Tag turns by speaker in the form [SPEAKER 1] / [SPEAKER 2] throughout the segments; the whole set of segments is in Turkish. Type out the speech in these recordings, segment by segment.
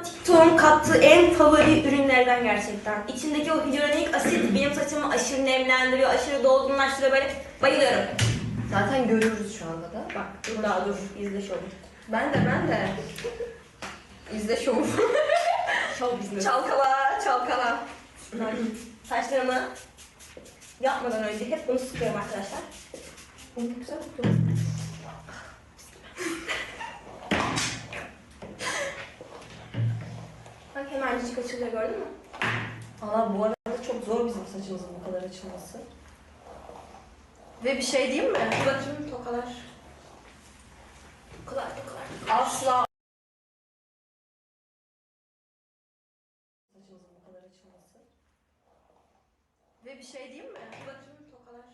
[SPEAKER 1] TikTok'un kattığı en favori ürünlerden gerçekten. İçindeki o hyaluronik asit benim saçımı aşırı nemlendiriyor, aşırı dolgunlaştırıyor, böyle bayılıyorum.
[SPEAKER 2] Zaten görüyoruz şu anda da.
[SPEAKER 1] Bak dur daha dur, izle şovu.
[SPEAKER 2] Ben de. İzle şovu.
[SPEAKER 1] Şov business.
[SPEAKER 2] Çalkala, çalkala.
[SPEAKER 1] Saçlarımı yapmadan önce hep bunu sıkıyorum arkadaşlar.
[SPEAKER 2] Bunu güzel tuttu.
[SPEAKER 1] Bak hemencik açılıyor, gördün mü?
[SPEAKER 2] Valla bu arada çok zor bizim saçımızın bu kadar açılması. Ve bir şey diyeyim mi?
[SPEAKER 1] Bir bakayım tokalar. Tokalar.
[SPEAKER 2] Asla saçımızın bu kadar açılması. Ve bir şey diyeyim mi?
[SPEAKER 1] Bir bakayım tokalar.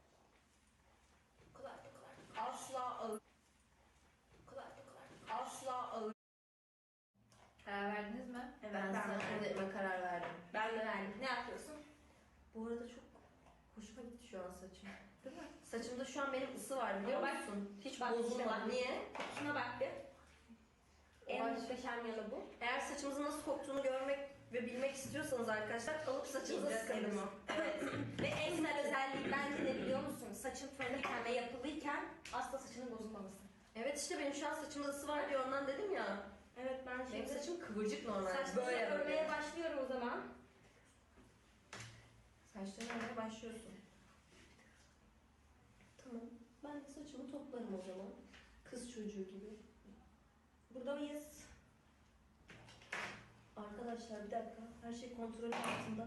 [SPEAKER 1] Tokalar.
[SPEAKER 2] Asla ağır.
[SPEAKER 1] Tokalar.
[SPEAKER 2] Asla ağır. Karar verdiniz mi?
[SPEAKER 1] Evet,
[SPEAKER 2] ben
[SPEAKER 1] ben
[SPEAKER 2] sana
[SPEAKER 1] verdim.
[SPEAKER 2] kendime karar verdim.
[SPEAKER 1] Ben de verdim. Ne yapıyorsun?
[SPEAKER 2] Bu arada çok hoşuma gitti şu an saçım. Değil mi? Saçımda şu an benim ısı var biliyor
[SPEAKER 1] Ama bak-
[SPEAKER 2] musun? Hiç
[SPEAKER 1] bak,
[SPEAKER 2] bozulmadı.
[SPEAKER 1] bak.
[SPEAKER 2] Niye?
[SPEAKER 1] Şuna bak bir. En
[SPEAKER 2] Bak.
[SPEAKER 1] muhteşem yanı bu.
[SPEAKER 2] Eğer saçımızın nasıl koktuğunu görmek ve bilmek istiyorsanız arkadaşlar alıp saçınıza
[SPEAKER 1] İzleseydin
[SPEAKER 2] sıkınız.
[SPEAKER 1] o. Evet. Ve en güzel özelliği bence ne biliyor musun? Saçın fırınırken ve yapılıyken asla saçının bozulmaması.
[SPEAKER 2] Evet işte benim şu an saçımda ısı var diye ondan dedim ya.
[SPEAKER 1] Evet, ben
[SPEAKER 2] Benim
[SPEAKER 1] şimdi
[SPEAKER 2] saçım kıvırcık normal.
[SPEAKER 1] saçlarımı
[SPEAKER 2] Böyle
[SPEAKER 1] örmeye başlıyorum o zaman.
[SPEAKER 2] Saçlarını örmeye başlıyorsun. Tamam. Ben de saçımı toplarım o zaman. Kız çocuğu gibi.
[SPEAKER 1] Burada mıyız?
[SPEAKER 2] Arkadaşlar bir dakika. Her şey kontrol altında.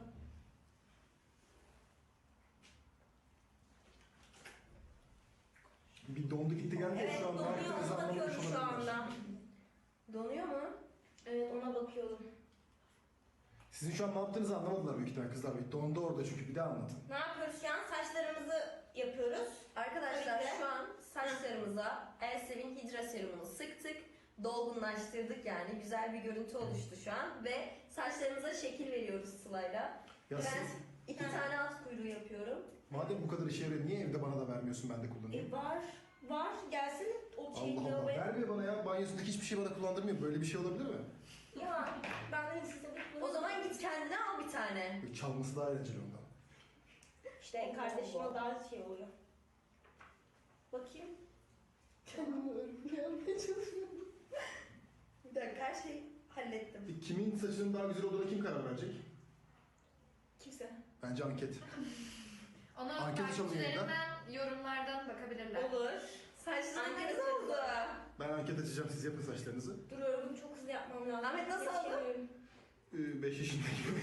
[SPEAKER 3] Bir dondu gitti geldi.
[SPEAKER 1] Evet,
[SPEAKER 3] şu an
[SPEAKER 1] donuyor,
[SPEAKER 3] vaktinizi
[SPEAKER 1] ona
[SPEAKER 3] anlamamış
[SPEAKER 1] bakıyorum şu
[SPEAKER 3] olabilirler.
[SPEAKER 1] anda.
[SPEAKER 2] Donuyor mu?
[SPEAKER 1] Evet, ona bakıyorum.
[SPEAKER 3] Sizin şu an ne yaptığınızı anlamadılar büyük ihtimalle kızlar. Bir dondu orada çünkü bir de anlatın.
[SPEAKER 1] Ne yapıyoruz şu an? Saçlarımızı yapıyoruz.
[SPEAKER 2] Arkadaşlar
[SPEAKER 1] Öyle.
[SPEAKER 2] şu an saçlarımıza Elsevin Hidra Serumunu sıktık. Dolgunlaştırdık yani. Güzel bir görüntü oluştu şu an. Ve saçlarımıza şekil veriyoruz Sıla'yla.
[SPEAKER 3] Ya
[SPEAKER 2] Ben
[SPEAKER 3] siz,
[SPEAKER 2] 2 tane at kuyruğu yapıyorum.
[SPEAKER 3] madem bu kadar işe yarıyor niye evde bana da vermiyorsun ben de kullanayım?
[SPEAKER 1] Var. Gelsene o şeyi
[SPEAKER 3] Allah Allah,
[SPEAKER 1] lavaboya.
[SPEAKER 3] vermiyor bana ya. Banyosundaki hiçbir şey bana kullandırmıyor. Böyle bir şey olabilir mi?
[SPEAKER 1] Ya ben de size
[SPEAKER 2] O zaman git kendine al bir tane.
[SPEAKER 3] Böyle çalması daha eğlenceli ondan.
[SPEAKER 1] İşte kardeşim o daha şey oluyor. Bakayım.
[SPEAKER 2] Kendimi örgüye almaya çalışıyorum. Bir dakika her şeyi hallettim.
[SPEAKER 3] Kimin saçının daha güzel olduğuna kim karar verecek?
[SPEAKER 1] Kimse.
[SPEAKER 3] Bence anket.
[SPEAKER 4] Ona
[SPEAKER 3] Anket açalım
[SPEAKER 4] takipçilerinden, yorumlardan bakabilirler.
[SPEAKER 1] Olur.
[SPEAKER 2] Saçlarım
[SPEAKER 1] Anket
[SPEAKER 2] ne oldu?
[SPEAKER 3] Ben anket açacağım, siz yapın saçlarınızı.
[SPEAKER 1] Dur örgümü çok hızlı yapmam lazım.
[SPEAKER 2] Ahmet nasıl oldu?
[SPEAKER 1] Yetişemiyorum.
[SPEAKER 3] 5 yaşındayım.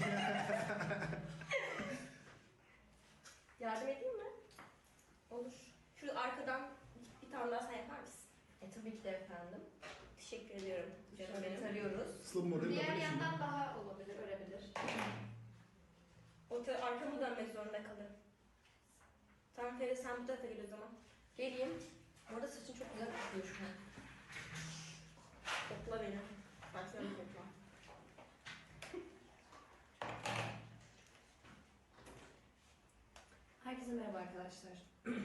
[SPEAKER 2] Yardım edeyim mi?
[SPEAKER 1] Olur. Şu arkadan bir tane daha sen yapar mısın?
[SPEAKER 2] Tabii ki de efendim.
[SPEAKER 1] Teşekkür ediyorum. Canım
[SPEAKER 2] Şöyle
[SPEAKER 1] benim.
[SPEAKER 2] tarıyoruz.
[SPEAKER 3] Slum modeli
[SPEAKER 4] Diğer
[SPEAKER 3] yapabilirsin.
[SPEAKER 4] yandan daha olabilir, ölebilir.
[SPEAKER 1] Arkamı dönmek zorunda kalırım. Tamam Ferit, sen bu tarafa gel o zaman.
[SPEAKER 2] Geleyim. Bu arada saçın çok güzel kokuyor şu an.
[SPEAKER 1] Topla beni. Baksana topla.
[SPEAKER 4] Herkese merhaba arkadaşlar.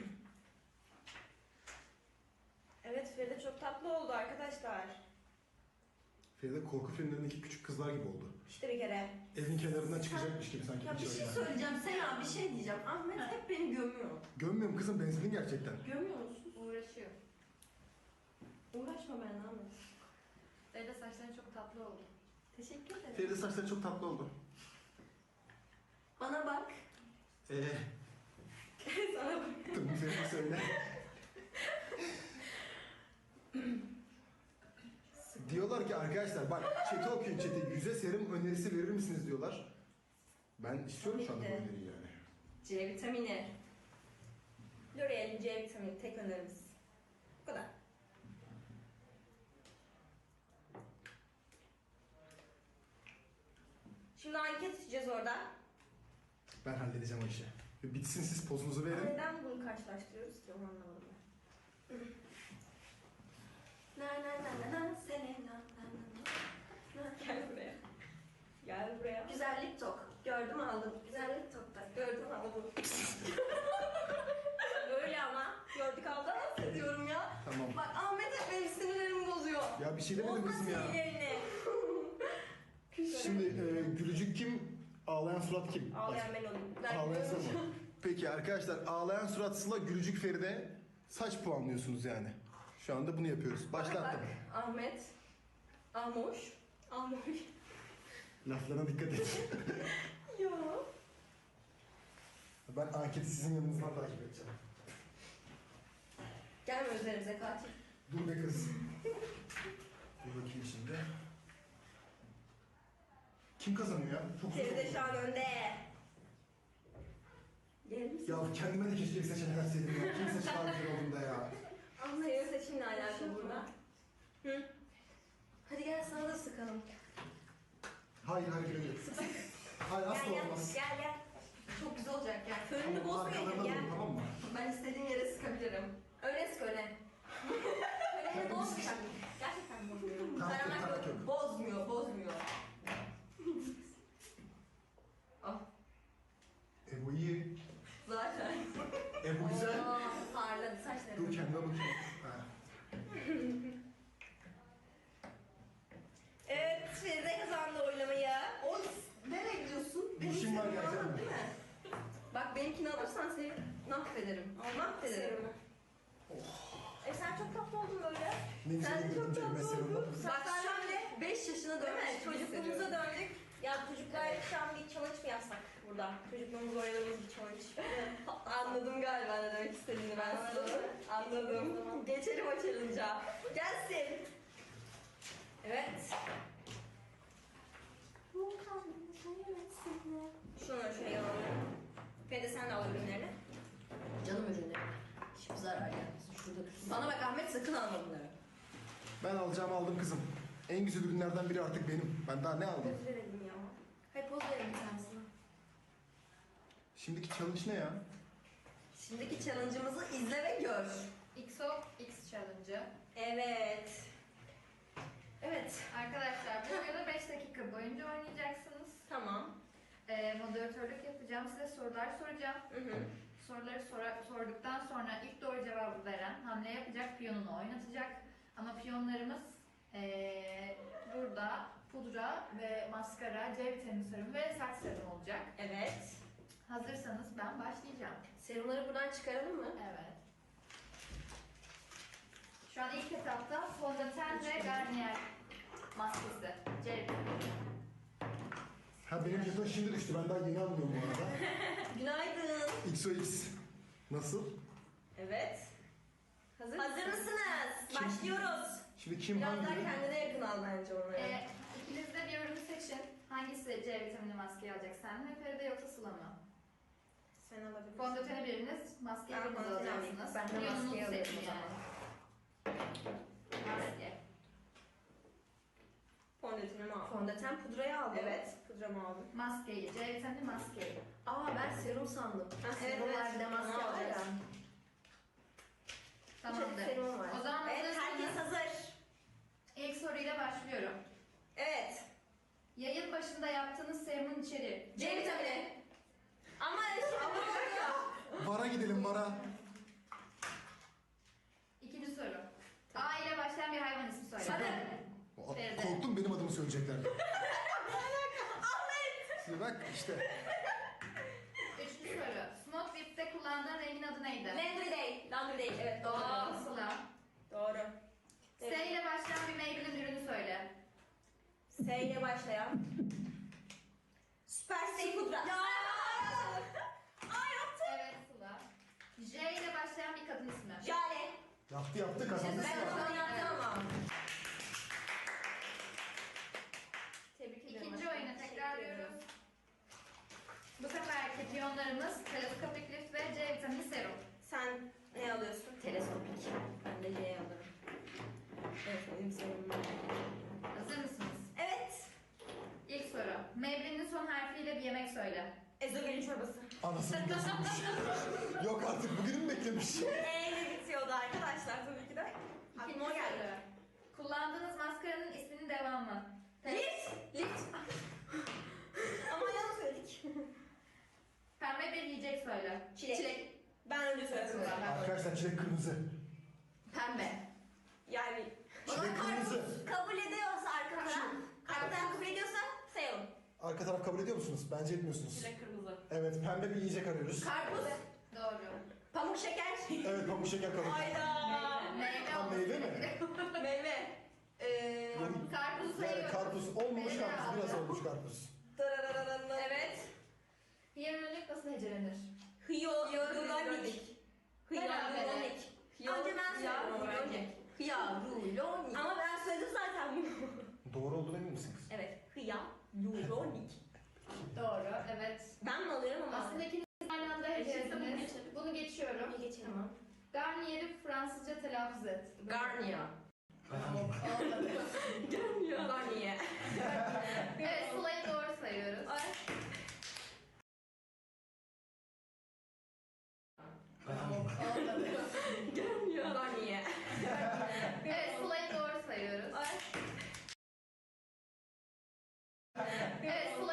[SPEAKER 1] Evet, Feride çok tatlı oldu arkadaşlar.
[SPEAKER 3] Feride korku filmlerindeki küçük kızlar gibi oldu.
[SPEAKER 1] İşte bir kere.
[SPEAKER 3] Evin kenarından çıkacakmış gibi sanki.
[SPEAKER 2] Ya bir
[SPEAKER 3] hiç
[SPEAKER 2] şey
[SPEAKER 3] öyle.
[SPEAKER 2] söyleyeceğim. Sena bir şey diyeceğim. Ahmet hep beni gömüyor.
[SPEAKER 3] Gömmüyorum kızım, benzedin gerçekten.
[SPEAKER 2] Gömüyor musun?
[SPEAKER 4] Uğraşıyor.
[SPEAKER 2] Uğraşma benimle Ahmet.
[SPEAKER 4] Feride saçların çok tatlı oldu.
[SPEAKER 2] Teşekkür ederim.
[SPEAKER 3] Feride saçları çok tatlı oldu.
[SPEAKER 2] Bana bak.
[SPEAKER 1] Sana bak.
[SPEAKER 3] Tamam Feride söyle. Diyorlar ki arkadaşlar bak chat'i okuyun chat'i. Yüze serum önerisi verir misiniz diyorlar. Ben istiyorum şu anda bu
[SPEAKER 1] Tabii ki.
[SPEAKER 3] öneriyi yani.
[SPEAKER 2] C vitamini.
[SPEAKER 1] L'Oreal'in C vitamini tek önerimiz. Bu kadar. Şimdi anket açacağız orada.
[SPEAKER 3] Ben halledeceğim o işi. Bitsin, siz pozunuzu verin.
[SPEAKER 1] Neden bunu karşılaştırıyoruz ki, onu anlamadım ben.
[SPEAKER 2] Na na na na na Selena.
[SPEAKER 1] Gel buraya. Gel buraya.
[SPEAKER 2] Güzellik tok. Gördüm aldım. Güzellik tokta. Gördüm aldım.
[SPEAKER 1] Öyle ama. Gördük aldı.
[SPEAKER 2] Dans ediyorum ya.
[SPEAKER 3] Tamam.
[SPEAKER 2] Bak Ahmet hep benim sinirlerimi bozuyor.
[SPEAKER 3] Ya bir şey demedim
[SPEAKER 1] Bozma
[SPEAKER 3] kızım ya.
[SPEAKER 1] sinirlerini.
[SPEAKER 3] Şimdi gülücük kim? Ağlayan surat kim?
[SPEAKER 1] Ağlayan ben olayım.
[SPEAKER 3] Ağlayan Sıla mı? Peki arkadaşlar ağlayan surat Sıla, gülücük Feride. Saç puanlıyorsunuz yani. Şu anda bunu yapıyoruz. Başlattım.
[SPEAKER 2] Bak, Ahmet. Ahmoş.
[SPEAKER 1] Ağlamış.
[SPEAKER 3] Laflarına dikkat et.
[SPEAKER 1] Ya.
[SPEAKER 3] Ben anketi sizin yanınızdan takip edeceğim.
[SPEAKER 2] Gelme üzerimize katil.
[SPEAKER 3] Dur be kız. Dur bakayım şimdi. Kim kazanıyor ya? Çok zor
[SPEAKER 1] Feride
[SPEAKER 3] oldu.
[SPEAKER 1] şu an önde. Gelir misin?
[SPEAKER 3] Ya kendime de keşke bir seçenek verseydim ya. Kim seçti daha güzel olduğunda ya.
[SPEAKER 1] Senin seçimle alakalı burada. Hı?
[SPEAKER 2] Hadi gel sana da sıkalım.
[SPEAKER 3] Hayır hayır hayır. Hayır asla
[SPEAKER 1] Gel gel.
[SPEAKER 3] olmaz.
[SPEAKER 1] Gel gel.
[SPEAKER 2] Çok güzel olacak gel.
[SPEAKER 1] Fönünü
[SPEAKER 3] Tamam,
[SPEAKER 1] bozmayın
[SPEAKER 3] arkalarına
[SPEAKER 1] gel.
[SPEAKER 3] durun, tamam mı?
[SPEAKER 2] Ben istediğim yere sıkabilirim.
[SPEAKER 1] Öyle sık öyle. Öyle bozmayacak. Gerçekten bozmuyorum.
[SPEAKER 3] Tamam,
[SPEAKER 1] Karamak
[SPEAKER 3] tamam,
[SPEAKER 1] yok.
[SPEAKER 3] yok.
[SPEAKER 2] Bozmuyor, bozmuyor. Ah,
[SPEAKER 3] Bu iyi.
[SPEAKER 2] zaten.
[SPEAKER 3] Bu güzel.
[SPEAKER 1] Aa, parladı saçları.
[SPEAKER 3] Dur kendime bakayım. Ha.
[SPEAKER 1] Evet, Feride kazandı oylamayı.
[SPEAKER 2] O nereye gidiyorsun?
[SPEAKER 3] Bir işim var
[SPEAKER 2] istediğimi
[SPEAKER 3] gerçekten.
[SPEAKER 2] aldın değil mi? Bak benimkini alırsan seni mahvederim. Mahvederim.
[SPEAKER 1] Sen çok tatlı oldun böyle.
[SPEAKER 3] Ne güzel
[SPEAKER 2] Sen de çok
[SPEAKER 3] gidince
[SPEAKER 2] tatlı
[SPEAKER 3] mesela.
[SPEAKER 2] oldun. Bak şöyle 5 yaşına
[SPEAKER 1] Değil mi?
[SPEAKER 2] dönmüş.
[SPEAKER 1] Çocukluğumuza döndük. Ya çocuklar şu an bir challenge mı yapsak burada? Çocukluğumuzda oynadığımız bir challenge.
[SPEAKER 2] Anladım galiba ne demek istediğini ben sana. Anladım. Geçelim o challenge'a. Gelsin.
[SPEAKER 1] Evet. Şunları şuraya alalım. Feride sen de al ürünlerini.
[SPEAKER 2] Canım ürünleri. Hiçbir zarar gelmesin. Şurada. Bana bak Ahmet sakın alma bunları.
[SPEAKER 3] Ben alacağımı aldım kızım. En güzel ürünlerden biri artık benim. Ben daha ne aldım?
[SPEAKER 1] Poz verelim ya. Hayır poz verelim bir tanesine.
[SPEAKER 3] Şimdiki challenge ne ya?
[SPEAKER 2] Şimdiki challenge'ımızı izle ve gör.
[SPEAKER 4] XOX Challenge'ı.
[SPEAKER 1] Evet.
[SPEAKER 2] Evet.
[SPEAKER 4] Arkadaşlar bu videoda 5 dakika boyunca oynayacaksınız.
[SPEAKER 1] Tamam.
[SPEAKER 4] Moderatörlük yapacağım. Size sorular soracağım.
[SPEAKER 1] Hı hı.
[SPEAKER 4] Soruları sorduktan sonra ilk doğru cevabı veren hamle yapacak, piyonunu oynatacak. Ama piyonlarımız burada pudra ve maskara, C vitamini serum ve saç serum olacak.
[SPEAKER 1] Evet.
[SPEAKER 4] Hazırsanız ben başlayacağım.
[SPEAKER 2] Serumları buradan çıkaralım mı?
[SPEAKER 4] Evet. Şu an ilk etapta fondöten ve Garnier maskesi. C vitamini.
[SPEAKER 3] Ha benim jeton şimdi düştü. Ben daha yeni anlıyorum bu arada.
[SPEAKER 2] Günaydın.
[SPEAKER 3] XOX. Nasıl?
[SPEAKER 1] Evet.
[SPEAKER 2] Hazır
[SPEAKER 1] Hazır
[SPEAKER 2] mısın?
[SPEAKER 1] mısınız?
[SPEAKER 3] Kim?
[SPEAKER 1] Başlıyoruz.
[SPEAKER 3] Şimdi kim
[SPEAKER 2] Biraz daha
[SPEAKER 3] hangi?
[SPEAKER 2] kendine yakın al bence onları.
[SPEAKER 4] İkiniz de bir ürünü seçin. Hangisi C vitamini maskeyi alacak? Sen mi Feride yoksa Sıla mı?
[SPEAKER 1] Sen alabilirsin.
[SPEAKER 4] Fondöteni biriniz, maskeyi
[SPEAKER 1] Ben
[SPEAKER 4] biriniz
[SPEAKER 1] fondöteni
[SPEAKER 4] alacaksınız.
[SPEAKER 2] Ben de
[SPEAKER 4] Piyonunuzu
[SPEAKER 2] maskeyi alayım
[SPEAKER 4] seçin
[SPEAKER 2] o zaman.
[SPEAKER 4] Maske.
[SPEAKER 1] Fondötenimi al.
[SPEAKER 2] Fondöten pudrayı aldım.
[SPEAKER 1] Evet. Pudramı aldım.
[SPEAKER 4] Maskeyi, C vitamini maskeyi.
[SPEAKER 2] Aa ben serum sandım.
[SPEAKER 1] Ha, evet,
[SPEAKER 2] Serum var
[SPEAKER 1] evet.
[SPEAKER 2] bir de maske
[SPEAKER 1] Onu
[SPEAKER 2] var ya.
[SPEAKER 1] alacağız.
[SPEAKER 4] Tamamdır.
[SPEAKER 2] Serum var.
[SPEAKER 4] O zaman
[SPEAKER 1] Evet, herkes
[SPEAKER 4] hazırsanız
[SPEAKER 1] hazır.
[SPEAKER 4] ilk soruyla başlıyorum.
[SPEAKER 1] Evet.
[SPEAKER 4] Yayın başında yaptığınız serumun içeriği.
[SPEAKER 1] C vitamini. Ama
[SPEAKER 3] Bara gidelim bara.
[SPEAKER 4] İkinci soru. A ile başlayan bir hayvan ismi söyle.
[SPEAKER 3] Aa,
[SPEAKER 4] Feride.
[SPEAKER 3] Korktum benim adımı söyleyecekler. Şimdi bak işte.
[SPEAKER 4] Üçüncü soru. Smoke Whip'te kullandığın rengin adı neydi?
[SPEAKER 1] Laundry Day. Laundry Day. Evet
[SPEAKER 4] Doğru.
[SPEAKER 1] doğru.
[SPEAKER 4] Sıla.
[SPEAKER 1] Doğru.
[SPEAKER 4] S ile başlayan bir meyvenin ürünü söyle.
[SPEAKER 1] S ile başlayan. Süper Stay Pudra. Ya. Ay yaptım.
[SPEAKER 4] Evet Sıla. J ile başlayan bir kadın ismi.
[SPEAKER 1] Jale.
[SPEAKER 3] Yaptı kazandı
[SPEAKER 1] Ben
[SPEAKER 3] Sıla.
[SPEAKER 1] onu yaptım ama.
[SPEAKER 2] Tebrik ederim.
[SPEAKER 4] İkinci
[SPEAKER 2] aşkım.
[SPEAKER 4] oyunu tekrarlıyoruz. Bu seferki piyonlarımız teleskopik lift ve C vitamini serum.
[SPEAKER 1] Sen ne alıyorsun?
[SPEAKER 2] Teleskopik.
[SPEAKER 1] Ben de C'yi alırım. Evet benim sevimim.
[SPEAKER 4] Hazır mısınız?
[SPEAKER 1] Evet.
[SPEAKER 4] İlk soru. Mevlinin son harfiyle bir yemek söyle.
[SPEAKER 1] Ezogelin çorbası.
[SPEAKER 3] Anasını gözükmüş. Yok artık bugünü mü beklemiş?
[SPEAKER 1] E ile bitiyordu arkadaşlar tabii ki de.
[SPEAKER 4] İkinci
[SPEAKER 1] Aklıma o geldi.
[SPEAKER 4] soru. Kullandığınız maskaranın isminin devamı.
[SPEAKER 1] Lift. Lift. Ama yanlış söyledik.
[SPEAKER 4] Pembe bir yiyecek söyle.
[SPEAKER 1] Çilek. Ben önce söyledim.
[SPEAKER 3] Arkadaşlar çilek kırmızı.
[SPEAKER 2] Pembe.
[SPEAKER 1] Yani
[SPEAKER 3] Çilek kırmızı.
[SPEAKER 1] kabul ediyorsa arka taraf, arka taraf kabul ediyorsa sayalım.
[SPEAKER 3] Arka taraf kabul ediyor musunuz? Bence etmiyorsunuz.
[SPEAKER 2] Çilek kırmızı.
[SPEAKER 3] Evet, pembe bir yiyecek arıyoruz.
[SPEAKER 2] Karpuz.
[SPEAKER 4] Doğru.
[SPEAKER 2] Pamuk şeker.
[SPEAKER 3] Evet, pamuk şeker kabul.
[SPEAKER 1] Hayda.
[SPEAKER 4] Meyve
[SPEAKER 3] Tam
[SPEAKER 4] olması
[SPEAKER 3] meyve mi?
[SPEAKER 4] gerekiyor.
[SPEAKER 2] Meyve.
[SPEAKER 4] Karpuz
[SPEAKER 3] Yani
[SPEAKER 4] sayıyoruz.
[SPEAKER 3] karpuz olmamış
[SPEAKER 4] Meyve
[SPEAKER 3] karpuz, biraz
[SPEAKER 4] alacağım.
[SPEAKER 3] olmuş karpuz.
[SPEAKER 2] Evet.
[SPEAKER 4] Hyaluronik nasıl hecelenir?
[SPEAKER 2] Hyaluronik.
[SPEAKER 1] Hyaluronik. Önce ben söyledim ama bence.
[SPEAKER 2] Hyaluronik.
[SPEAKER 1] Ama ben söyledim zaten bunu.
[SPEAKER 3] Doğru olduğunu emin misiniz?
[SPEAKER 1] Evet. Hyaluronik.
[SPEAKER 4] Doğru, evet.
[SPEAKER 1] Ben mi alıyorum ama?
[SPEAKER 4] Aslında ikiniz aynı anda hecelediniz. Bunu geçiyorum.
[SPEAKER 1] Bir geçelim.
[SPEAKER 2] Tamam.
[SPEAKER 4] Garnier'i Fransızca telaffuz et.
[SPEAKER 2] Garnier.
[SPEAKER 4] Olmadı.
[SPEAKER 1] Garnier.
[SPEAKER 4] Evet, Sıla'yı doğru sayıyoruz.
[SPEAKER 1] Ay.
[SPEAKER 4] Olmadı.
[SPEAKER 1] Garnier.
[SPEAKER 4] Evet, Sıla'yı doğru sayıyoruz.
[SPEAKER 1] Ay.
[SPEAKER 4] Evet,